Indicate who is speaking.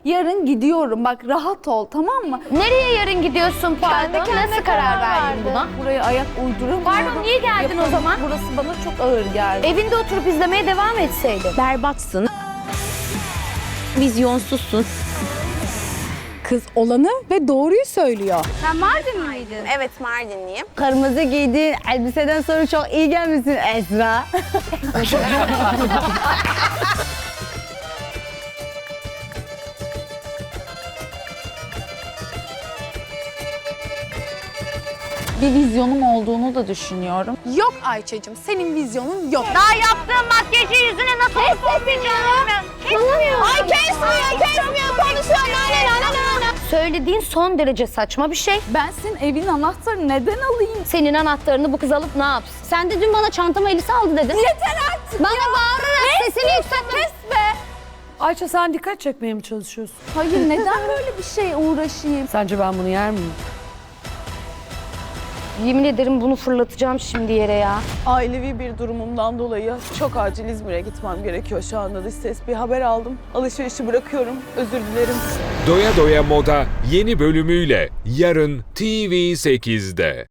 Speaker 1: Yarın gidiyorum. Bak rahat ol, tamam mı?
Speaker 2: Nereye yarın gidiyorsun pardon? Nasıl karar verdin buna?
Speaker 1: Buraya ayak uyduramıyorum.
Speaker 2: Pardon, niye geldin o zaman?
Speaker 1: Burası bana çok ağır geldi.
Speaker 2: Evinde oturup izlemeye devam etseydin.
Speaker 3: Berbatsın. Vizyonsuzsun. Kız olanı ve doğruyu söylüyor.
Speaker 2: Sen Mardin miydin?
Speaker 4: Evet, Mardinliyim.
Speaker 3: Kırmızı giydiğin elbiseden sonra çok iyi gelmişsin Esra.
Speaker 1: Bir vizyonum olduğunu da düşünüyorum.
Speaker 4: Yok Ayça'cığım, senin vizyonun yok.
Speaker 2: Daha yaptığın makyajı yüzüne nasıl olmayacağını kesmiyor.
Speaker 4: Ay kesmiyor, konuşuyor.
Speaker 2: Söylediğin son derece saçma bir şey.
Speaker 1: Ben senin evin anahtarını neden alayım?
Speaker 2: Senin anahtarını bu kız alıp ne yapsın? Sen de dün bana çantama elisi aldı dedin.
Speaker 1: Yeter artık
Speaker 2: Bana
Speaker 1: ya.
Speaker 2: bağırarak sesini yükseltme.
Speaker 1: Kes be.
Speaker 5: Ayça sen dikkat çekmeye mi çalışıyorsun?
Speaker 1: Hayır, neden böyle bir şeye uğraşayım?
Speaker 5: Sence ben bunu yer miyim?
Speaker 2: Yemin ederim bunu fırlatacağım şimdi yere ya.
Speaker 6: Ailevi bir durumumdan dolayı çok acil İzmir'e gitmem gerekiyor şu anda. Dış ses bir haber aldım. Alışverişi bırakıyorum. Özür dilerim.
Speaker 7: Doya Doya Moda yeni bölümüyle yarın TV8'de.